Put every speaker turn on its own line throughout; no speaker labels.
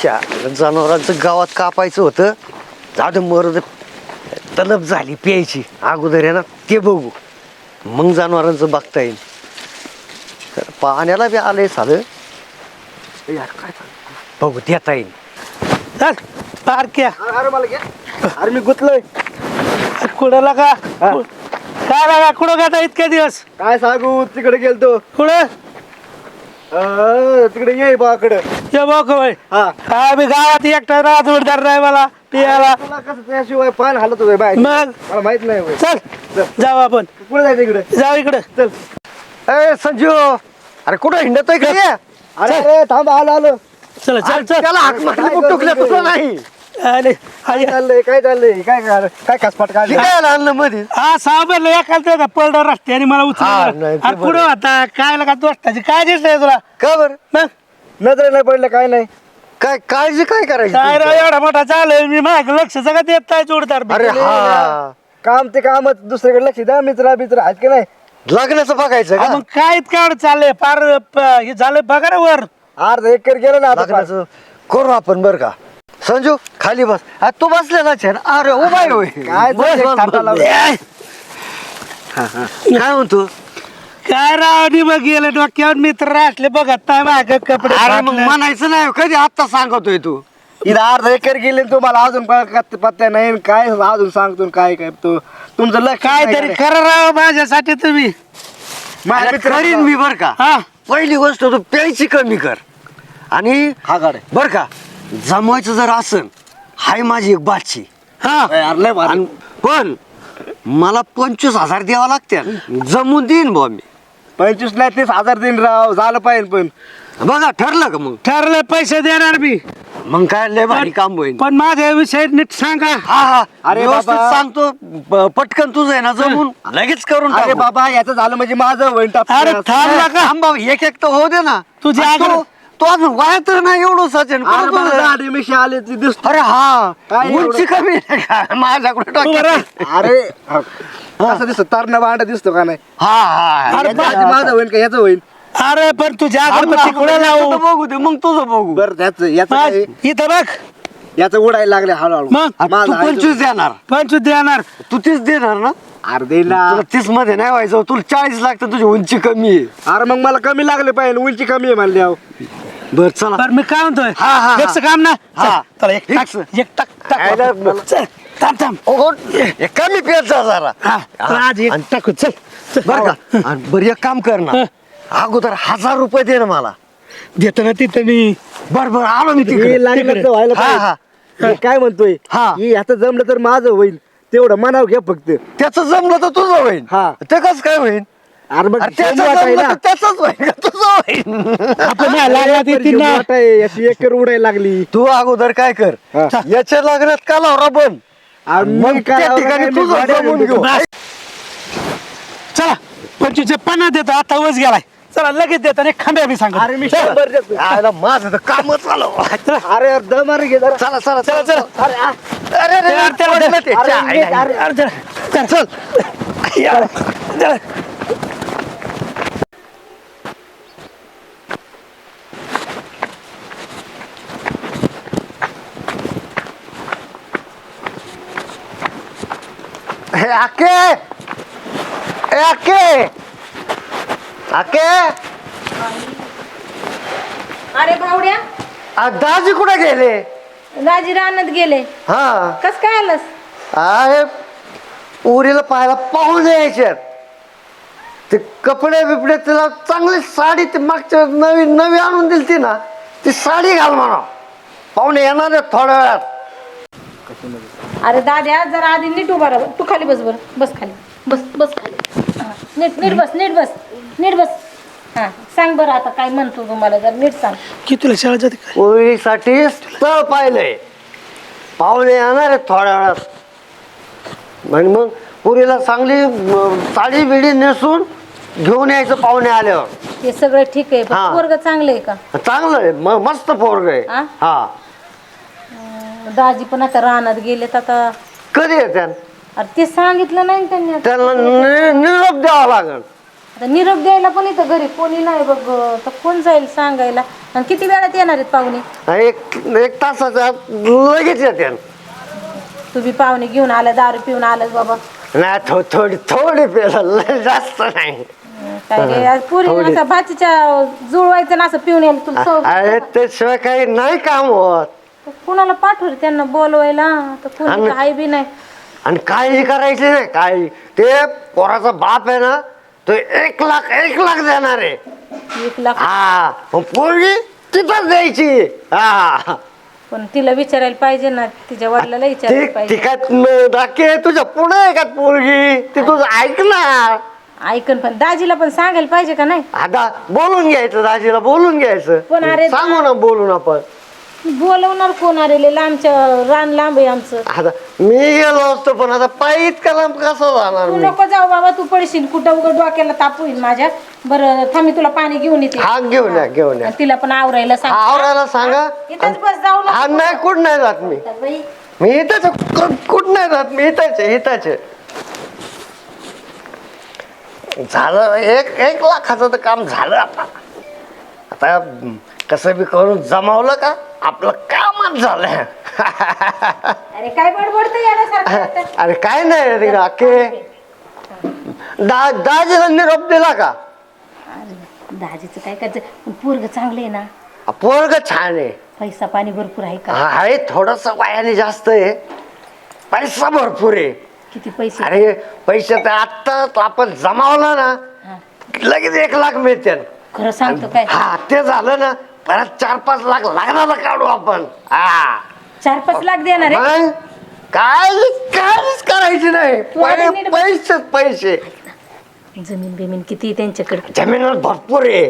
जनावरांचं गावात कापायचं होतं. जाऊ मरद तलब झाली प्यायची अगोदर आहे ना ते बघू, मग जनावरांचं बघता येईल. पाण्याला बी आलंय साधं काय बघू देता येईल.
चल पारक्या.
अरे मला घे. अरे मी गुतलोय.
कुणाला का काय लागा कुठं गाता इतके दिवस?
काय सांगू, तिकडे गेलतो.
कुठं
तिकडे ये बाकडे.
ये बघ बाई.
हा
मी गावात एकटा राहत जोडदार नाही मला पियाला.
तुला कसं त्याशिवाय पान हालत होय बाय,
मग
मला माहित नाही होय.
चल जाऊ आपण.
कुठे जायचं इकडे?
जाऊ इकडे.
चल.
ए संजू, अरे कुठं हिंडतोय का?
अरे अरे थांब, आलो.
चल चल चल.
त्याला हाक मारली टुकल्या तुझं नाही.
अरे
काय चाललंय काय चाललंय? काय कसपाट काढली?
काय आणलं मध्ये?
हा साहेब एखाद पडला रस्त्याने मला
हा,
उचल.
नाही, ते
अरे पुढं आता काय लगा दोस्ताची काय दिसतंय तुला?
का बर?
मग
नजर नाही पडलं काय नाही.
काय काळजी काय करायची
काय राव
तुमची?
एवढा मोठा चालेल मी माझ्या लक्ष सगळं देत नाही जोडदार बी.
अरे हा,
काम ते कामच, दुसरीकडे लक्ष द्या. मित्र आहेत की नाही?
लग्नाचं बघायचं
हा,
का?
मग काय इतकं एवढं चाललंय फार हे झालं बघा रे वर.
अर्ध एकर गेलं ना आता.
लग्नाचं करू आपण बर का? संजू खाली बस. तू बसलेला छान. अरे उभा आहे होय.
काय
बस,
चाललंय?
बस,
थांबा
बस.
लावलं.
काय म्हणतो?
काय राव निमग गेलं डोक्यावर मित्र असले बघत नाही माझ्या कपडे
अरे मग
फाटले.
म्हणायचं नाही कधी आत्ता सांगतोय तू.
इथं अर्ध एकर गेले आणि तुम्हाला अजून पत्त्या नाही. काय अजून सांगतो काय काय तो तुमचं लक्ष
काहीतरी करा राव माझ्यासाठी तुम्ही.
अरे करीन मी बर का.
हा
पहिली गोष्ट तू प्यायची कमी कर. आणि
हा गाडे.
बर का जमवायचं जर असन हाय माझी एक बाची.
हा
आणि पण मला 25,000 द्यावा लागते. जमून देईन बा मी.
25 नाही 30,000 दिन राव झालं पाहिजे. पण
बघा ठरलं का? मग
ठरले पैसे देणार मी.
मग काय लय भारी काम होईल.
पण माझ्या विषय नीट सांगा.
हा हा
अरे
व्यवस्थित
बाबा.
सांगतो. पटकन तुझं आहे ना जमून लगेच करून
अरे
टाकू.
बाबा याचं झालं म्हणजे माझं होईल टाप.
अरे थांबला का
थांब बाबा, एक एक तर होऊ दे ना.
तुझी
आणि
आग्रह-
तो अजून वाया तर नाही एवढं सचिन.
अरे मला दाढी मिशी आली ती दिसतो.
अरे हा
काय
उंची
एवढं?
कमी आहे का? माझ्याकडे
तू बरं.
डोक्यात.
अरे कसं दिसतो? तरणा भांडा दिसतो का नाही?
हा हा
अरे
याच्या आधी माझं होईल का याचं होईल?
अरे पण तुझ्या
थांब ना,
अगरबत्ती कुठे लावू?
याचं तर बघू दे मग तुझं बघू.
बरं त्याचं याचं
मग
काय?
इथं बघ
याचं उडायला लागले हळूहळू.
मग?
तू
माझं आहे
25 देणार.
25 देणार.
तू 30 देणार ना?
अर्धे ना.
तुला 30 मध्ये नाही व्हायचं. तुला 40 लागतं. तुझी उंची कमी आहे.
अरे मग मला कमी लागले पाहिजे. उंची कमी आहे म्हणल्या.
बर चला.
बरं मी काय म्हणतोय
हा, हा, हा.
फिक्स काम ना.
हा.
चल, चला एक टाक
फिक्स.
एक टाक टाक.
आयला मला-
चल, थांब थांब.
ओ, हे कमी पेट जा जरा.
हा चल, आज एक
आणि-
टाकू चल चल.
बर का? आणि बरं एक काम कर ना. अगोदर 1000 रुपये दे ना मला.
देतो ना तिथं मी.
बर बर आलो मी
हे
तिकडे.
लागलं तर व्हायला
हा हा
पाहिजे. मी काय म्हणतोय
हा.
हे आता जमलं तर माझं होईल. तेवढं मनाव घ्या फक्त.
त्याचं जमलं तर तुझं होईल.
हा.
ते कसं काय होईल?
अरे मग
अरे त्याचं
शेंबूट आहे
जमलं
ना.
तर त्याचंच होईल का तुझं होईल?
आपण नाही लागला
अरे,
ती ना.
शेंबूट आहे. अशी एकर उडायला लागली.
तू अगोदर काय कर
हा.
याच्या लग्नात का लावरा बन.
आणि
मग
मग काय
त्या ठिकाणी
काय मी
तुझं
गाड्या
जमून
घेऊन
घेऊ.
बस. चला 25 50 देतो आता वच गेलाय. चला लगेच देतो आणि खांब्या बी सांगतो.
अरे मी 100 देतो.
आयला माझं तर कामच झालं.
अरे दम अरे घे जरा.
चला चला
चला, चला.
अरे आ.
अरे अरे,
त्याला- त्याला-
पडलं ते.
अरे,
च्या,
घे,
आयला.
अरे.
अरे चला चल चल. या, चला.
हे आके ए आके आके
अरे भावड्या,
दाजी कुठे गेले?
दाजी रानात गेले.
हा
कस काय आलंस?
अरे उरीला पाहायला पाहून यायच्यात. ते कपडे बिपडे तिला चांगली साडी ते मागच्या नवी नवी आणून दिली ती ना, ती साडी घाल म्हणा. पाहुणे येणार आहेत थोड्या वेळात.
अरे दाद्या जरा आधी नीट उभा राहा. तू खाली बस. बरं बस खाली. बस बस खाली. हा, नीट नीट बस नीट बस नीट बस. हा सांग बरं आता काय म्हणतो तुम्हाला जर नीट सांग.
कितीला शाळा जाते काय?
पोरीसाठी स्थळ पाहिलंय. पाहुणे येणार आहेत थोड्या वेळात. आणि मग पुरीला चांगली साडी बिडी नेसून घेऊन यायचं पाहुणे आल्यावर.
ते सगळं ठीक आहे
हा.
पण पोरग चांगलं आहे का?
चांगलं आहे. मस्त पोरग आहे.
हा?
हा
दाजी पण आता रानात गेलेत आता.
कधी येत्या?
अरे ते सांगितलं नाही ना त्यांनी आता.
त्यांना निरोप द्यावा लागेल.
आता निरोप द्यायला पण इथं घरी कोणी नाही बघ, तर कोण जाईल सांगायला? आणि किती वेळात येणार आहेत पाहुणे?
एक तासाचा लगेच येते.
तुम्ही पाहुणे घेऊन आला, दारू पिऊन आलास बाबा.
नाही थोडी पेलं, लय जास्त नाही.
काय रे, आज पुरी
थोडी.
असं भाचीच्या जुळवायचं ना असं पिऊन यायला तुला सवय.
अरे त्याशिवाय काही नाही काम होत.
कुणाला पाठवलं त्यांना बोलवायला? तर कोणी
आणि-
हाय बी नाही.
आणि काही करायचे नाही काही. ते पोराचा बाप आहे ना, तो 1 लाख देणार आहे.
1 लाख?
हा मग पोरगी तिथंच द्यायची. हा
पण तिला विचारायला पाहिजे ना, तिच्या वडिलाला विचारायला
ती
पाहिजे.
काय डाके तुझ्या पुढे आहे का पोरगी? ती तुझं ऐकणार.
ऐकन पण दाजीला पण सांगायला पाहिजे का नाही?
आता बोलून घ्यायचं, दाजीला बोलून घ्यायचं.
पण अरे
सांगू ना बोलून आपण.
बोलवणार कोण? अरे लय लांबच्या रान लांब आहे आमचं.
आता मी गेलो असतो पण आता पायी इतका लांब कसं जाणार
तू
मी?
नको जाऊ बाबा, तू पडशील कुठं, उघड डोक्याला ताप होईल माझ्या. बरं थांब, मी तुला पाणी घेऊन येते.
हा घेऊन या घेऊन या.
आणि तिला पण आवरायला सांग.
आवरायला सांगा.
इथंच बस, जाऊ नको.
हा नाही कुठं नाही जात मी.
बाई,
मी इथंच कुठं नाही जात मी. इथंच झालं. 1 लाखाचं तर काम झालं. आता कसं बी करून जमावलं का आपलं कामच झालं.
अरे काय बडबडतं येण्यासारखं?
अरे काय नाही रे काके. दाजीला निरोप दिला का?
दाजीचं काय करायचं? पोरग चांगलं आहे ना,
पोरग छान आहे.
पैसा पाणी भरपूर आहे का?
आहे थोडस वयाने जास्त आहे, पैसा भरपूर आहे.
किती पैसे?
अरे पैसे तर आत्ता आपण जमावला ना,
हा.
लगेच 1 लाख मिळते.
खरं सांगतो काय?
हा ते झालं ना, परत 4-5 लाख लागणार काढू आपण. हा
4-5 लाख देणार आहे?
मग काहीच करायची नाही.
तू आधी नीट बस.
पैसे
जमीन बिमीन किती आहे त्यांच्याकडे?
जमीन भरपूर आहे.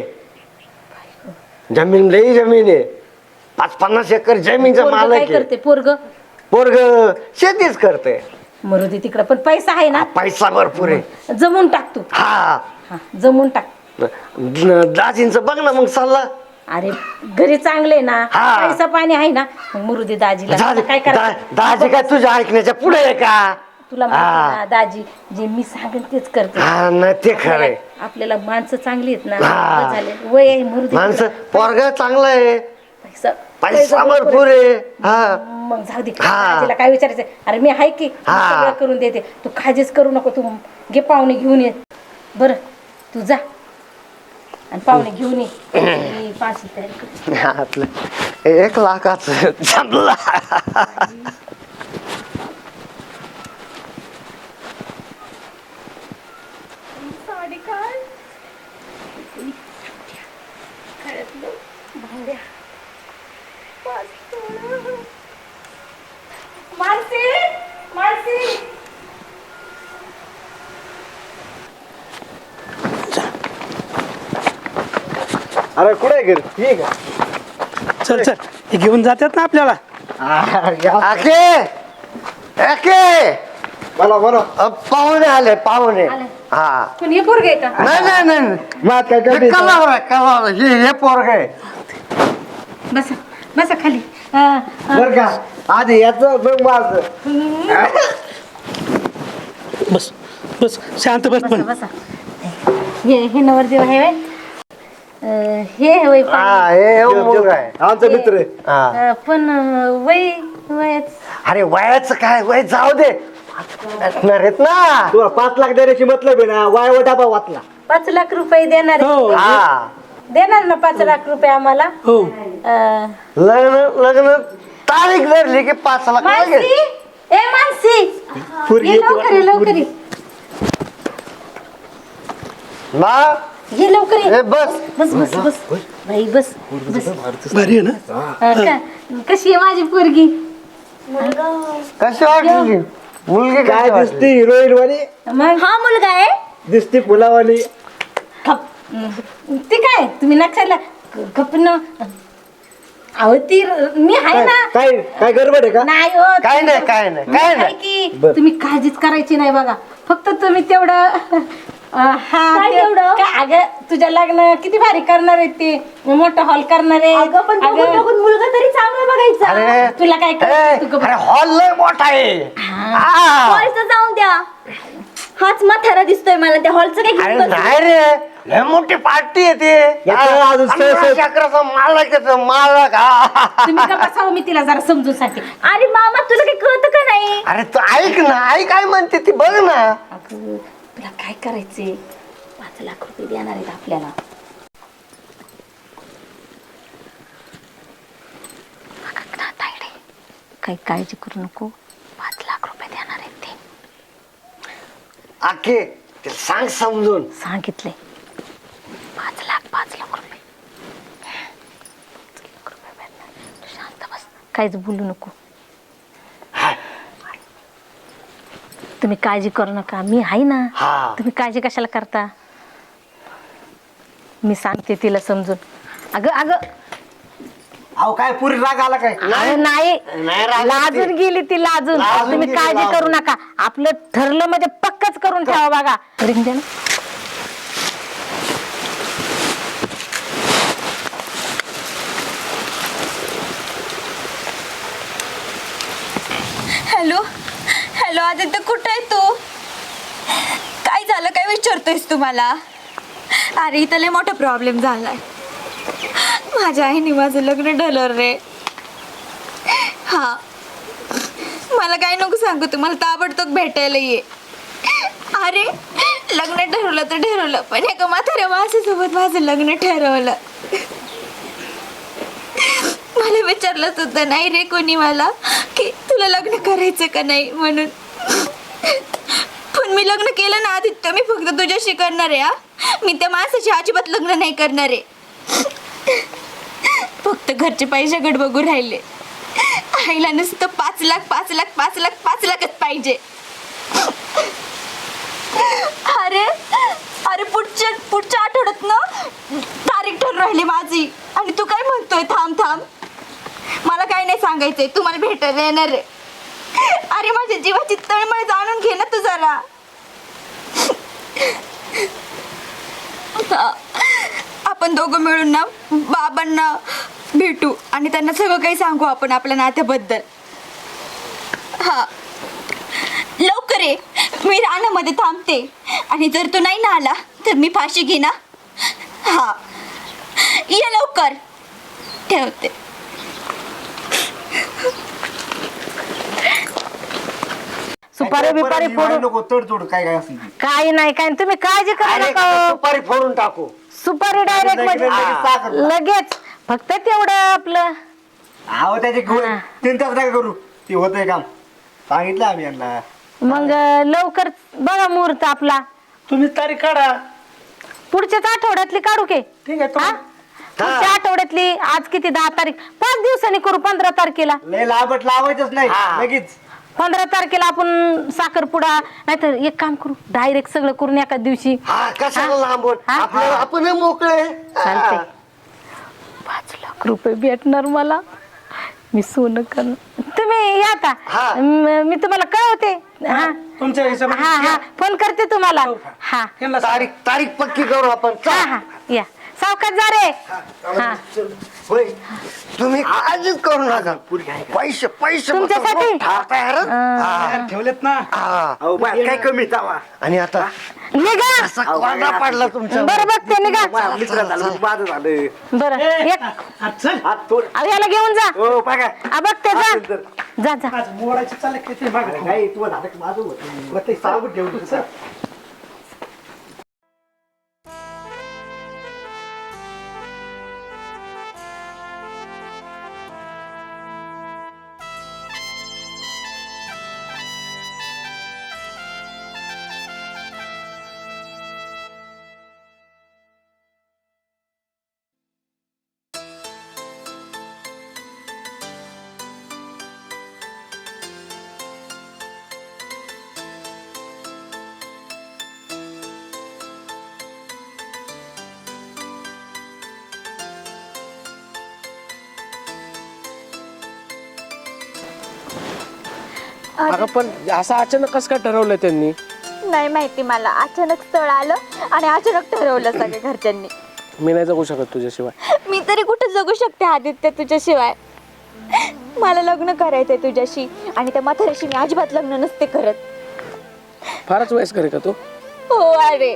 जमीन आहे. 50-50 एकर जमीनचा
पोरगं
मालक
काय
आहे.
करते पोरग?
पोरग शेतीच करते.
मरू दे तिकडं, पण पैसा आहे ना?
पैसा भरपूर आहे.
जमून टाक तू.
हा
हा, जमून टाक.
दाजींचं बघ ना मग सल्ला.
अरे घरी चांगले ना,
हा.
पैसा पाणी आहे ना, मग मरू दे दाजीला. आता काय करायचं?
दाजी काय तुझ्या ऐकण्याच्या पुढे आहे का?
तुला माहिती आहे ना, दाजी जे मी सांगेन तेच करते.
हा नाही ते खरंय.
आपल्याला माणसं चांगली आहेत ना,
हा.
बस झाले. वय आहे, मरू दे.
माणसं पोरगा चांगला आहे, पैसा
भरपूर
भरपूर आहे. हा
आहे. मग जाऊ दे.
हा.
दाजीला काय विचारायचं? अरे मी आहे की, मी
हा.
सगळं करून देते. तू खाजेच करू नको. तू घे पाहुणे घेऊन ये. बरं तू जा आणि पाहुणे घेऊन ये. मी पाचशे तयारी करते.
आपलं 1 लाखाचं जमला.
मानसी, मानसी.
अरे कुठे घर ठीक
चल चल, हे घेऊन जातात ना आपल्याला.
आके
बोला बोला.
पाहुणे आले पाहुणे.
आले.
हा
पण हे पोरग आहे का?
नाही
मग काय करते?
कलावर हे पोरग आहे.
बसा बसा खाली.
बर का आधी याच बघ माझं.
बस बस शांत बस.
बसा
पण
बसा. हे नवरदेव आहे व्हय? हे वय
हा हे मुलगा आहे.
आमचा मित्र आहे.
हा.
पण वय वयच.
अरे वयाचं काय वय जाऊ दे. असणार आहेत ना.
तुला 5 लाख देण्याची मतलब आहे ना, वाय डाबा वाचला.
5 लाख रुपये देणार आहे.
हो
हा
देणार ना 5 लाख रुपये आम्हाला?
हो.
अं,
लग्न तारीख धरली की 5 लाख
मानसी,
लगेच.
ए मानसी,
पोरगी
ये
येते
लवकर ये, लवकर ये.
बा
ये लवकर ये.
ए, बस
बस बस बस बाई बस बस.
भारी आहे ना.
कशी आहे माझी पोरगी?
कशी वाटली मुलगी?
काय
काय
दिसते हिरोईन वाली,
मग हा मुलगा आहे.
दिसते फुलावाली.
ती काय तुम्ही नक्षाला गपन. अहो ती मी आहे ना.
काय काय गडबड आहे का?
नाही हो.
काय नाही, काय नाही, काय
मी आहे
नाही.
की
बर.
तुम्ही काळजीच करायची नाही बघा. फक्त तुम्ही तेवढं हा तेवढं काय अगं तुझ्या लग्न किती भारी करणार आहे ते, मोठा हॉल करणार आहे. अगं मुलगा तरी चांगला बघायचा.
अरे
तुला काय करायचं? तू
अरे हॉल लय मोठा आहे. हा.
जाऊन द्या. हाच म्हातारा दिसतोय मला त्या हॉलचं काय
अरे
घेऊन बसली?
नाही रे लय मोठी पार्टी येते
याचं अजून सहज-
अकराचा मालक येतो मालक
तुम्ही का बसावं, मी तिला जरा समजून सांगते.
अरे मामा तुला काही कळतं का नाही?
अरे तू ऐक ना आई काय म्हणते ती बघ ना.
अगं तुला काय करायचंय? 5 लाख रुपये देणार आहेत आपल्याला. काही काळजी करू नको, 5 लाख रुपये देणार आहेत ते.
आखे ते सांग समजून.
सांगितले 5 लाख रुपये. 5 लाख रुपये भेटणार. तू शांत बस, काहीच बोलू नको. तुम्ही काळजी करू नका, मी आहे ना.
हा.
तुम्ही काळजी कशाला करता? मी सांगते तिला समजून. अगं अगं
अहो काय पुरी राग आला काय?
अरे नाही,
नाही रागवत ती.
लाजून गेली ती, लाजून.
लाजून
तुम्ही
गेली,
काळजी
लाजून.
करू नका. आपलं ठरलं म्हणजे पक्कच करून ठेवा. बघा रिंग द्या ना.
हॅलो हॅलो आदित्य, कुठे आहे तू? काय झालं, काय विचारतोयस तुम्हाला? अरे इथं लय मोठा प्रॉब्लेम झालाय. माझ्या आईने माझं लग्न ठरलं रे. हा, मला काय नको सांगू, तुम्हाला ताबडतोब भेटायला ये. अरे लग्न ठरवलं तर ठरवलं, पण एका म्हाताऱ्या माणसासोबत माझं लग्न ठरवलं. मला विचारलं सुद्धा नाही रे कोणी मला की तुला लग्न करायचं का नाही म्हणून. पण मी लग्न केलं ना आदित्य, मी फक्त तुझ्याशी करणार आहे. हा, मी त्या माणसाची अजिबात लग्न नाही करणार आहे. फक्त घरचे पैशाकडे बघू राहिले. आईला नुसतं 5 लाखच पाहिजे. अरे अरे पुढच्या आठवड्यात ना तारीख ठरून राहिली माझी, आणि तू काय म्हणतोय थांब. मला काय नाही सांगायचंय, तू मला भेटायला येणार आहे. अरे माझ्या जीवाची तळमळ जाणून घे ना तू जरा. आपण दोघं मिळून ना बाबांना भेटू आणि त्यांना सगळं काही सांगू आपण आपल्या नात्याबद्दल. हा लवकर ये, मी रानामध्ये थांबते. आणि जर तू नाही ना आला तर मी फाशी घे ना. हा ये लवकर, ठेवते.
सुपारी बिपारी फोडू
नको, तोड काय काय असेल ते.
काही नाही, काय नाही. तुम्ही काळजी करू
अरे
नका.
सुपारी फोडून टाकू.
सुपारी डायरेक्ट म्हणजे
लगेच
लगेच, फक्त तेवढं आपलं.
अहो त्याचे
हा.
3 तास काय करू, ते होतंय काम. सांगितलं आम्ही यांना.
मग लवकर बघा मुहूर्त आपला.
तुम्ही तारीख काढा.
पुढच्याच आठवड्यातली काढू के?
ठीक आहे
हा? पुढच्या आठवड्यातली. आज किती, 10 तारीख. 5 दिवसांनी करू. 15 तारखेला.
लय लाभट लावायचंच नाही
हा.
लगेच.
15 तारखेला आपण साखरपुडा, नाहीतर एक काम करू, डायरेक्ट सगळं करून एका दिवशी.
हा कशाला लांबून,
हा?
आपल्याला आपण मोकळे.
चालतंय. 5 लाख रुपये भेटणार मला. मी सोनं करणार. तुम्ही या का?
हा.
मी तुम्हाला कळवते. हा
तुमच्या
हा
हिशोबाने
हा फोन करते तुम्हाला. हा
यांना
तारीख पक्की करू आपण.
हा हा या सावकाश जा रे. हा
होय तुम्ही काळजीच करू नका. पैसे
तुमच्यासाठी?
ठेवलेत ना.
अहो बाय, काय कमी जावा.
आणि आता
निघा.
असा कोंडा पडला तुमच्या.
बरं बघते निघा.
माझ्या मित्राला झालं, माझं झालं.
बरं एक
हा, चल.
हात तोड.
अहो, याला घेऊन जा.
हो बघा.
बघते जा जा जा.
आज मोडायचे चालले की ते मागं.
नाही तू झालं की माझं होतं. प्रत्येक सावध ठेवून
चल.
अगं पण असं अचानक कसं काय ठरवलं त्यांनी?
नाही माहिती मला, अचानक स्थळ आलं आणि अचानक ठरवलं सगळ्या घरच्यांनी.
मी नाही जगू शकत तुझ्याशिवाय.
मी तरी कुठे जगू शकते आदित्य तुझ्याशिवाय. मला लग्न करायचंय तुझ्याशी, आणि त्या म्हाताऱ्याशी मी अजिबात लग्न नसते करत.
फारच वयस्कर आहे का तो?
हो अरे.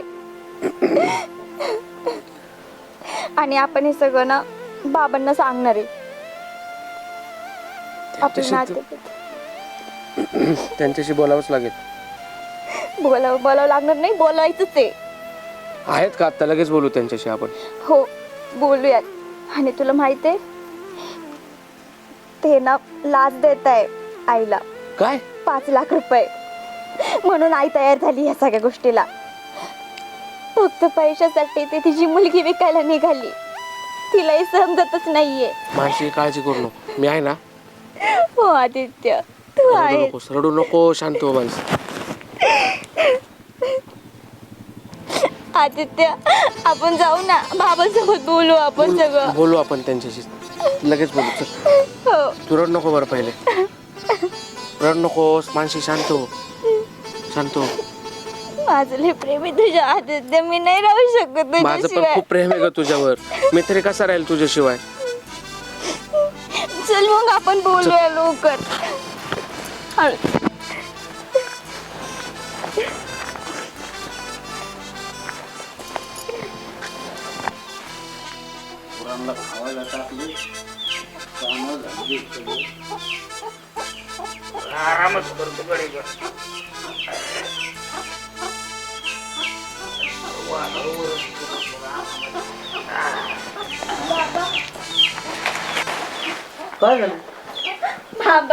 आणि आपण हे सगळं ना बाबांना सांगणार आहे. आपलं नातं
त्यांच्याशी बोलावंच लागेल.
बोलावं लागणार नाही, बोलायचंच आहे.
आहेत का आता? लगेच बोलू त्यांच्याशी आपण.
हो बोलूयात. आणि तुला माहित आहे ते ना लाच देत आहे आईला
काय?
5 लाख रुपये. म्हणून आई तयार झाली या सगळ्या गोष्टीला. फक्त पैशासाठी ती तिची मुलगी विकायला निघाली. तिलाही समजतच नाहीये.
मानसी काळजी करू नको, मी आहे ना.
हो आदित्य तू
रडू
आहे.
नकोस, रडू नको, शांत हो मानसी.
आदित्य आपण जाऊ ना बाबासोबत बोलू आपण सगळं.
बोलू आपण त्यांच्याशी, लगेच बोलू. चल.
हो
तू रड नको बरं, पहिले रड नकोस मानसी, शांत हो, शांत हो.
माझं लय प्रेम आहे तुझ्या आदित्य. मी नाही राहू शकत
माझं पण
तुझ्याशिवाय.
खूप प्रेम आहे ग तुझ्यावर. मी तरी कसा राहील तुझ्याशिवाय?
चल मग आपण बोलूया लवकर.
काय झालं?
बाबा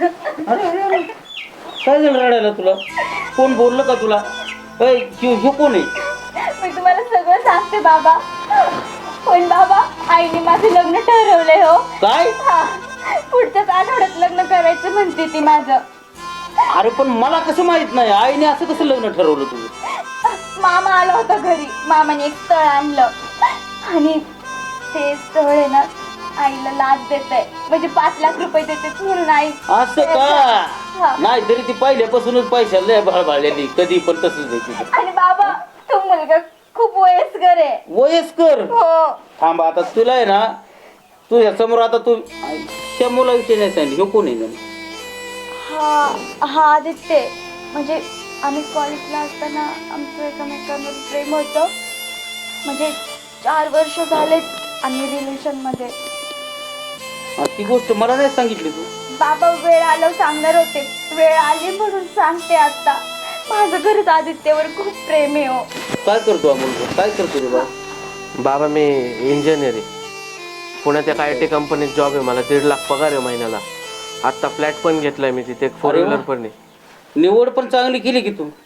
काय झालं रडायला तुला? कोण बोललं का तुला? ह्यो कोण आहे?
मी तुम्हाला सगळं सांगते बाबा. पण बाबा आईने माझं लग्न ठरवलंय. हो
काय?
हा. पुढच्याच आठवड्यात लग्न करायचं म्हणते ती माझं.
अरे पण मला कसं माहित नाही? आईने असं कसं लग्न ठरवलं तुझं?
मामा आला होता घरी. मामाने एक स्थळ आणलं आणि ते स्थळ आहे ना आईला लाच देत आहे. म्हणजे 5 लाख रुपये देते म्हणून आई.
असं
हा.
का? नाही तरी ती पहिल्यापासूनच पैशाला लय भाळभाळलेली, कधी पण तसंच आहे तिचं.
आणि बाबा तो मुलगा खूप वयस्कर आहे.
वयस्कर?
हो
थांब आता तुला आहे ना, तुझ्या समोर आता तू त्या मुला विचारण्यास सांगितलं ह्यो कोण आहे जण?
हा हा आदित्य. म्हणजे आम्ही कॉलेजला असताना आमचं एकमेकांवर प्रेम होतं. म्हणजे 4 वर्ष झालेत आम्ही रिलेशनमध्ये.
ती गोष्ट मला नाही सांगितली तू.
बाबा वेळ आल्यावर सांगणार होते. वेळ आली म्हणून सांगते आता. माझं खरंच आदित्यवर खूप प्रेम आहे. हो
काय करतो हा मुलगा? काय करतो रे बा?
बाबा मी इंजिनियर आहे. पुण्यात एका IT कंपनीत जॉब आहे. मला 1.5 लाख पगार आहे महिन्याला. आत्ता फ्लॅट पण घेतलाय मी तिथे, एक 4 व्हीलर पण आहे.
निवड पण चांगली केली की तू.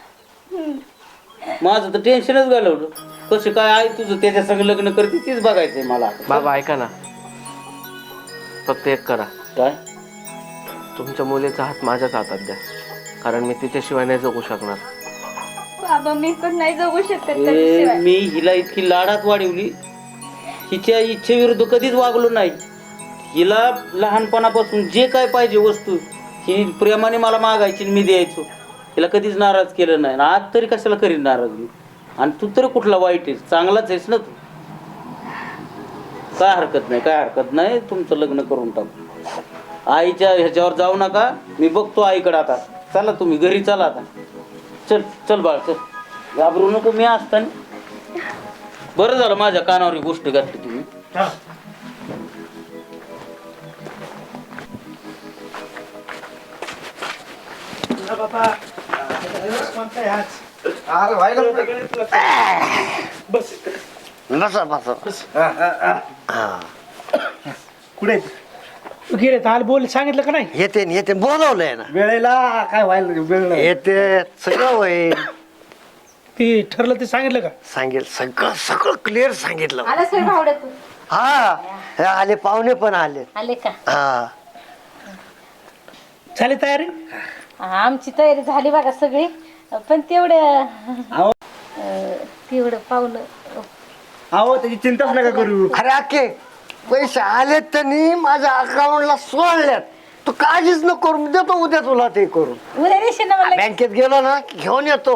माझं तर टेन्शनच घालवलं. कसं काय आहे तुझं? त्याच्या सगळं लग्न करते तीच बघायचंय मला.
बाबा ऐका ना, फक्त एक करा.
काय?
तुमच्या मुलीचा हात माझ्याच हातात द्या, कारण मी तिच्याशिवाय नाही जगू शकणार.
बाबा मी पण नाही जगू शकत
ए,
त्याच्याशिवाय.
मी हिला इतकी लाडात वाढवली, हिच्या इच्छेविरुद्ध कधीच वागलो नाही. हिला लहानपणापासून जे काय पाहिजे वस्तू ही प्रेमाने मला मागायची आणि मी द्यायचो. हिला कधीच नाराज केलं नाही. आणि आज तरी कशाला करीन नाराज मी? आणि तू तरी कुठला वाईट आहेस? चांगलाच आहेस ना तू. काय हरकत नाही, काय हरकत नाही. तुमचं लग्न करून टाकू. आईच्या ह्याच्यावर जाऊ नका. मी बघतो आईकडे आता. चला तुम्ही घरी चला आता. चल चल बाळ चल. घाबरू नको, मी असताना. बरं झालं माझ्या कानावर ही गोष्ट घातली तुम्ही.
बसा बसा.
कुठे
तू गेले तर बोल, सांगितलं का नाही?
येते बोलवलंय ना.
वेळेला काय व्हायला वेळ नाही.
येते सगळं होईल.
ती ठरलं ते सांगितलं का?
सगळं सगळं क्लिअर सांगितलं.
आला सर भावड्या तू?
हा हे आले, पाहुणे पण आले.
आले का?
हा
झाली तयारी?
आमची तयारी झाली बघा सगळी. पण तेवढं पाहुणं.
अहो त्याची चिंताच नका करू.
अरे अख्खे पैसे आलेत त्यांनी माझ्या अकाउंटला सोडल्यात. तू काळजीच न करू, देतो उद्या तुला ते करून.
उद्या देशील ना मला?
बँकेत गेलो ना की घेऊन येतो.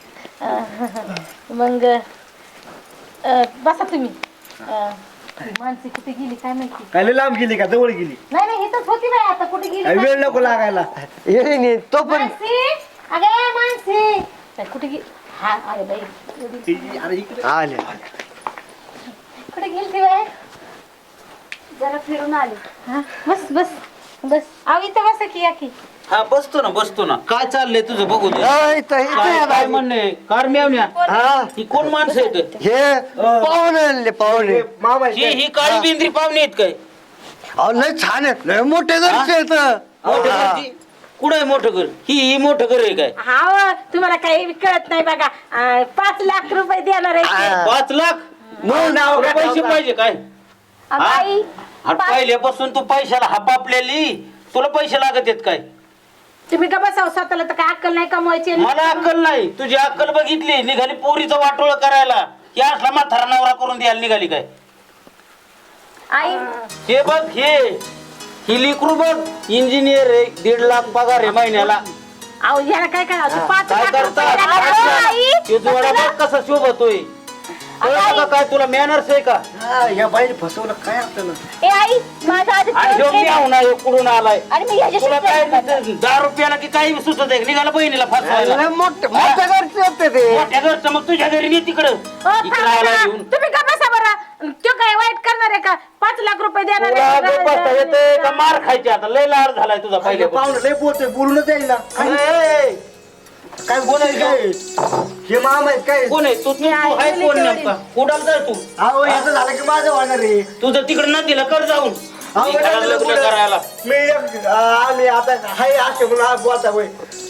मग बसा तुम्ही. माणसे कुठे गेली काय माहिती?
काय लय लांब गेली का जवळ गेली?
नाही नाही इथंच होती बाई. आता कुठे गेली
काय वेळ नको लागायला.
येईन तो पण.
मानसी अगे माणसे काय कुठे गे हा अरे बाई
आले
कुठे गेली ती बाई जरा फिरून आले हा बस बस बस आव इथं बसा की या की
हा बसतो ना काय चाललंय तुझं बघू दे
इथं
काय
आहे
म्हणणे कार मेवण्या
हा
ही कोण माणसं आहेत
हे पाहुणे आणले पाहुणे
मामा
ही काळी बिंद्री पाहुणे आहेत काय
अहो लय छान आहेत लय मोठे घरचे आहेत
मोठं घरची कुठं आहे मोठं घर ही मोठं घर आहे काय
हा तुम्हाला काही कळत नाही बघा 5 लाख रुपये देणार आहे
5 लाख तुला पैसे पाहिजे काय
आई
आणि पहिल्यापासून तू पैशाला हापापलेली तुला पैसे लागत आहेत काय
तुम्ही का बसाव स्वतःला तर काय अक्कल नाही कमवायची
मला अक्कल नाही तुझी अक्कल बघितली निघाली पोरीचं वाटोळ करायला की असला म्हातारा नवरा करून द्यायला निघाली काय
आई
हे बघ ही लिकरू बघ इंजिनियर आहे 1.5 लाख पगार आहे महिन्याला
अहो याला काय करायचं 5
काय
लाख रुपये
करतात तो जोडा बघ कसा शोभतोय कळतं का काय तुला मॅनर्स आहे का
या बाईने फसवलं काय आपल्याला
ए आई माझा
आणि
आदित्य
ह्यो मेहुणा ह्यो कुठून आलाय
आणि मी ह्याच्याशी
तुला काय
प्रेम करते.
10 रुपयाला की काही सुचत आहे निघाला बहिणीला फसवायला
लय मोठे मोठे घरचे होते ते
मोठ्या घरचं मग तुझ्या घरी नाही तिकडं इकडं आला घेऊन
तुम्ही का बसा बरं तो काय वाईट करणार आहे का 5 लाख रुपये देणार
तुला
आहे?
गप्प बसता येतंय का मार खायचे आता लय लाड झालाय तुझा पहिले
पाहुणे लय बोलतोय बोलूनच जाईल ना काय बोलायचं काय हे मामा आहेत काय
कोण आहे तू आहे कोण नेमका कुडाल जाय तू
अहो याचं झालं की माझं होणार रे
तुझं तिकडं नदीला कर जाऊन
अहो,
इकडं
नदीला
लग्न
कुठं?
करायला
आम्ही आता हाय असे म्हणून आज बोलता होय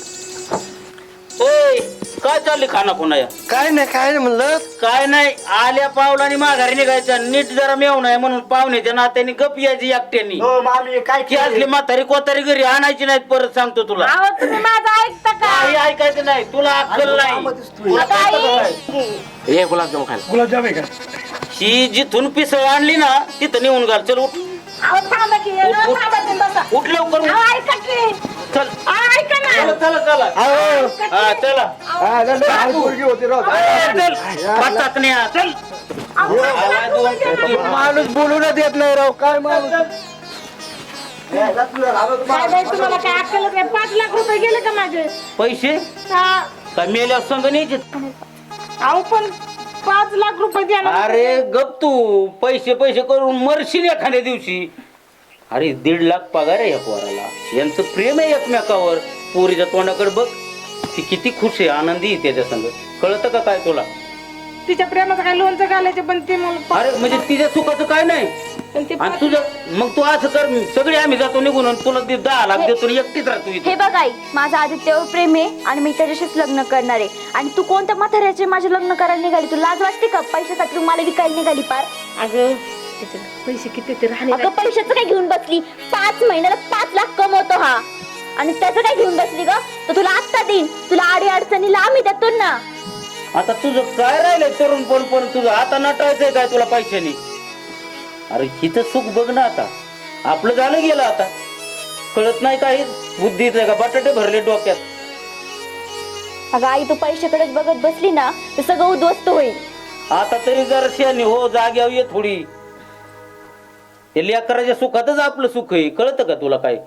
ओय काय चालली खाना खुना
काय नाही म्हणलं
काय नाही आल्या पावलाने माघारी निघायचं नीट जरा मेवून आहे म्हणून पाहुण्याच्या नात्याने गप यायची एकट्यानी
हो मामी काय
की असली म्हातारी कोतारी घरी आणायची नाहीत परत सांगतो तुला
अहो तुम्ही माझं ऐकता का
काही ऐकायचं नाही तुला अक्कल नाही
मामा दिसतोय.
तुला कळतं का काय?
हे गुलाबजाम खायला
गुलाबजाम आहे का
ही जिथून पिसळ आणली ना तिथं नेऊन घाल चल उठ
अहो थांबा की
उठ.
थांबा तुम्ही बसा
उठ लवकर
अहो ऐका की
चल
अहो ऐका ना
चला चला चला हा चला
हा, लय लहान पोरगी होती राव.
ए, चल पाचात नाही हा, चल आला दोन.
माणूस बोलून देत नाही राव काय माणूस यायला तुला राव
काय
तुम्हाला.
बाई तुम्हाला काय अक्कलच नाही 5 लाख रुपये गेले का माझे
पैसे
हा.
काय मेल्या संघ न्यायचे
अहो पण 5 लाख रुपये देणार
अरे गप तू पैसे पैसे करून मरशील एखाद्या दिवशी अरे 1.5 लाख पगार आहे या पोराला यांचं प्रेम आहे एकमेकावर पोरीच्या तोंडाकडे बघ ती किती खुश आहे आनंदी आहे त्याच्या संग कळतं का काय तुला
तिच्या प्रेमाचं काय लोणचं घालायचं पण ते मला
अरे म्हणजे तिच्या सुखाचं काय नाही
पण ते
आणि तुझं मग तू असं कर सगळे आम्ही जातो निघून आणि तुला 10 लाख देतो आणि एकटीच राहतो इथे
हे बघ आई माझं आदित्यवर प्रेम आहे आणि मी त्याच्याशीच लग्न करणार आहे आणि तू कोणत्या म्हाताऱ्याचे माझे लग्न करायला निघाली तू लाज वाटते का पैशासाठी तू मला विकायला निघाली पार
अगं त्याचे पैसे किती ते राहिले
अगं पैशाचं काय घेऊन बसली 5 महिन्याला 5 लाख कमवतो हा आणि त्याचं काय घेऊन बसली ग तर तुला आत्ता देईन तुला आडी अडचणीला आम्ही देतो ना
आता तुझं काय राहिलंय तरुण पण तुझं आता नटायचंय काय तुला पैशानी अरे हिचं सुख बघ ना आता आपलं झालं गेलं आता कळत नाही काही बुद्धीच आहे का बटाटे भरले डोक्यात
अगं आई तू पैशाकडेच बघत बसली ना तर सगळं उद्ध्वस्त होईल
आता तरी जरा शहाणी हो जाग्यावर ये थोडी हे लेकराच्या सुखातच आपलं सुख आहे कळतं का तुला काय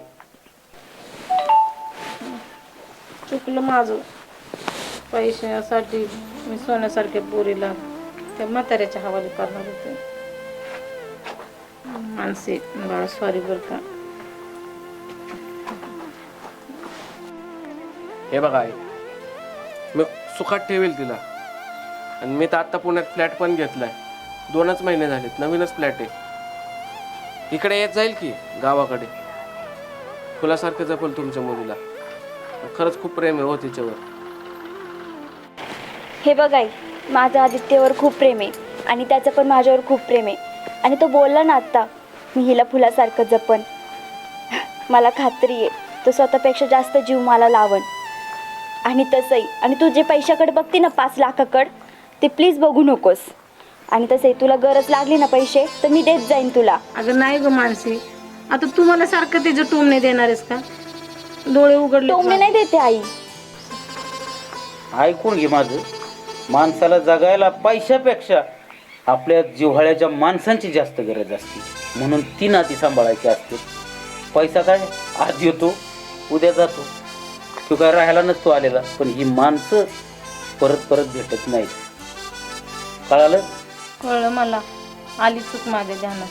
चुकलं माझं पैशासाठी मी सोन्यासारख्या पोरीला त्या म्हाताऱ्याच्या हवाली करणार होते मानसी बाळा सॉरी बरं का
हे बघा आई मी सुखात ठेवेल तिला आणि मी तर आत्ता पुण्यात फ्लॅट पण घेतलाय 2च महिने झालेत नवीनच फ्लॅट आहे इकडे येत जाईल की गावाकडे फुलासारखं जपल तुमच्या मुलीला खरंच खूप प्रेम आहे हो तिच्यावर
हे बघ आई माझं आदित्यवर खूप प्रेम आहे आणि त्याचं पण माझ्यावर खूप प्रेम आहे आणि तो बोलला ना आत्ता मी हिला फुलासारखं जपन मला खात्री आहे तो स्वतःपेक्षा जास्त जीव मला लावण आणि तसंही आणि तू जे पैशाकडे बघते ना 5 लाखाकडं ते प्लीज बघू नकोस आणि तसंही तुला गरज लागली ना पैसे तर मी देत जाईन तुला
अगं नाही ग मानसी आता तू मला सारखं त्याचं टोमणे देणार आहेस का डोळे उघडले
टोमणे नाही देते आई
ऐकून घे माझं माणसाला जगायला पैशापेक्षा आपल्या जिव्हाळ्याच्या माणसांची जास्त गरज असते म्हणून ती नाती सांभाळायची असते पैसा काय आज येतो उद्या जातो तो काय राहायला नसतो आलेला, पण ही माणसं परत परत भेटत नाहीत. कळालं?
कळलं मला, आली चूक माझ्या ध्यानात.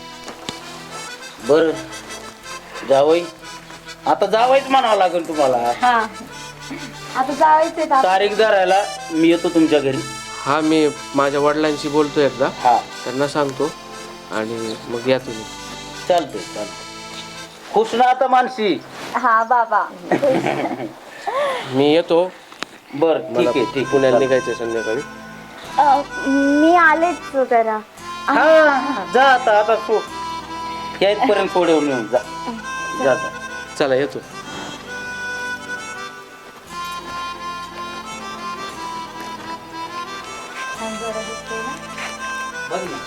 बरं जावई, आता जावायच म्हणावं लागेल तुम्हाला.
हा आता जायचंय
तारीख धरायला मी येतो तुमच्या घरी.
हा, मी माझ्या वडिलांशी बोलतो एकदा,
हा
त्यांना सांगतो आणि मग या तुम्ही.
चालतंय चालतंय. खुश ना आता मानसी?
हा बाबा.
मी येतो.
बर ठीक
मला
आहे ठीक
पुण्याला
आहे.
निघायचं संध्याकाळी.
मी आलेच जरा.
हा जा आता आता सो या इथपर्यंत थोडे येऊन जा जा जा.
चला येतो.
बघ ना.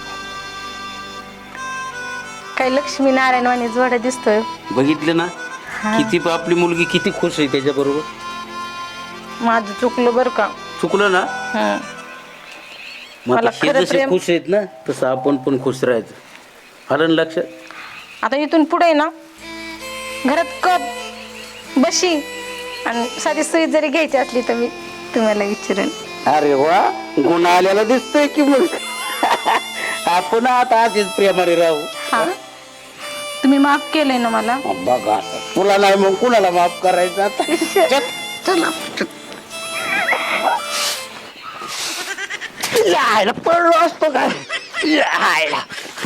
काही लक्ष्मी नारायण वाणी जोडा दिसतोय.
बघितलं ना किती आपली मुलगी किती खुश आहे त्याच्या बरोबर.
माझं चुकलं बरं का.
चुकलं ना.
हं.
मग
मला
आता हे
खरं
जसे
प्रेम-
खुश आहेत ना तसं आपण पण खुश राहायचं. आलं ना लक्षात?
आता इथून पुढे ना घरात कप बशी आणि साधी सुई जरी घ्यायची असली तर मी तुम्हाला विचारेन.
अरे वा, गुण आलेला दिसतोय की मग. आपण आता आधीच प्रेमाने राहू.
हा तुम्ही माफ केलंय ना मला.
बघा आता, तुला नाही मग कुणाला माफ करायचं आता.
चला यायला पडलो असतो काय यायला.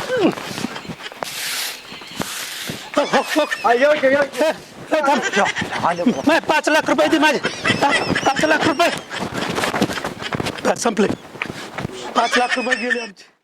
नाही, 5 लाख रुपये दे माझे. 5 लाख रुपये संपले. 5 लाख रुपये गेले आमचे.